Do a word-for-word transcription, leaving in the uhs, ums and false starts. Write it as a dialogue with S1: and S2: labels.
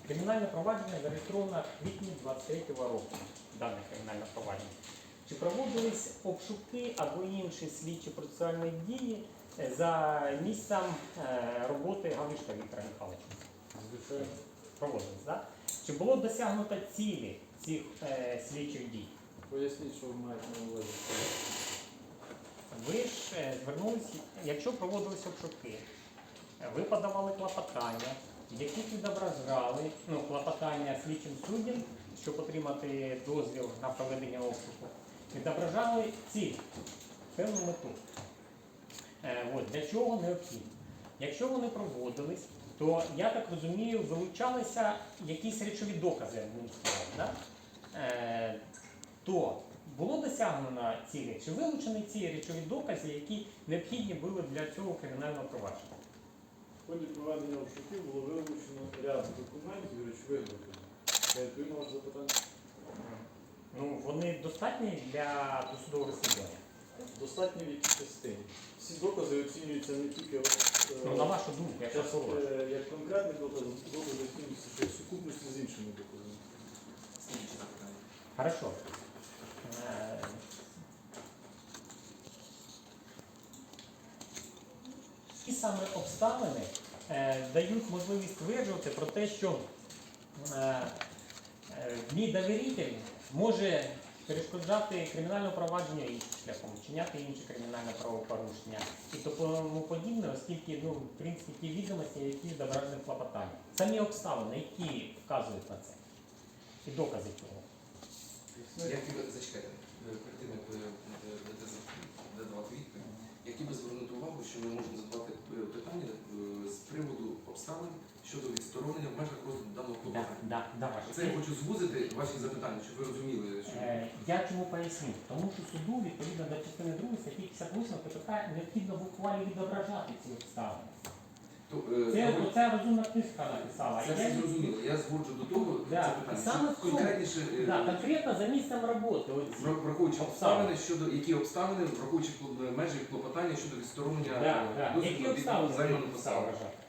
S1: Кримінальне провадження зареєстровано в квітні двадцять третього року. Дане кримінальне провадження. Чи проводились обшуки або інші слідчі процесуальні дії за місцем роботи Галишка Віктора Михайловича?
S2: Звичайно.
S1: Проводились, так? Чи було досягнуто цілі цих е, слідчих дій?
S2: Поясніть, що ви маєте на увазі.
S1: Ви ж е, звернулися, якщо проводились обшуки, ви подавали клопотання, в яких відображали ну, клопотання слідчим суддям, щоб отримати дозвіл на проведення обшуку, відображали ціль, певну мету. Е, от, для чого необхідно? Якщо вони проводились, то, я так розумію, вилучалися якісь речові докази, одним словом, да? е, то було досягнено цілі, чи вилучені ці речові докази, які необхідні були для цього кримінального провадження?
S2: В ході проведення обшуків було вилучено ряд документів і речових доказів. Я відповім на ваше запитання.
S1: Ну, вони достатні для досудового розслідування?
S2: Достатньо в якій частині. Всі докази оцінюються не тільки
S1: Ну, на вашу думку, як
S2: як,
S1: прокурор.
S2: е, як конкретний доказ, докази оцінюються ще в сукупності з іншими доказами.
S1: Хорошо. Е, Ті саме обставини е, дають можливість стверджувати про те, що е, е, мій довіритель може перешкоджати кримінальному провадженню іншим шляхом, вчиняти інші кримінальне правопорушення і тому подібне, оскільки ну, в принципі ті відомості, які відображені в клопотанні. Самі обставини, які вказують на це, і докази цього.
S3: Як ви зачекайте, перед тим, як ви будете задавати відповідь, я хотів би звернути увагу, що ми можемо задавати питання з приводу обставин щодо відсторонення в межах розгляду даного
S1: Да,
S3: клопотання.
S1: да, да, ваше.
S3: Це я хочу звузити ваші запитання, щоб ви розуміли, що
S1: Е, Я чому поясню? Тому що суду, відповідно до частини другої статті п'ятдесят восьмої КПК, необхідно в ухвалі відображати ці обставини.
S3: То, е,
S1: Це
S3: давай-
S1: оця розумна книжка написала.
S3: це
S1: І
S3: все
S1: я-
S3: зрозуміло. Я згоджу до того
S1: Да,
S3: запитання,
S1: саме
S3: що
S1: в цьому.
S3: конкретніше, е,
S1: Да, конкретно за місцем роботи. Оці.
S3: вра- враховуючи
S1: Обставини.
S3: обставини, щодо які обставини, враховуючи кло- межі клопотання щодо відсторонення
S1: Да,
S3: е,
S1: да.
S3: дозволу
S1: Які
S3: від
S1: обставини
S3: займаної
S1: ви
S3: посади.
S1: вважаєте?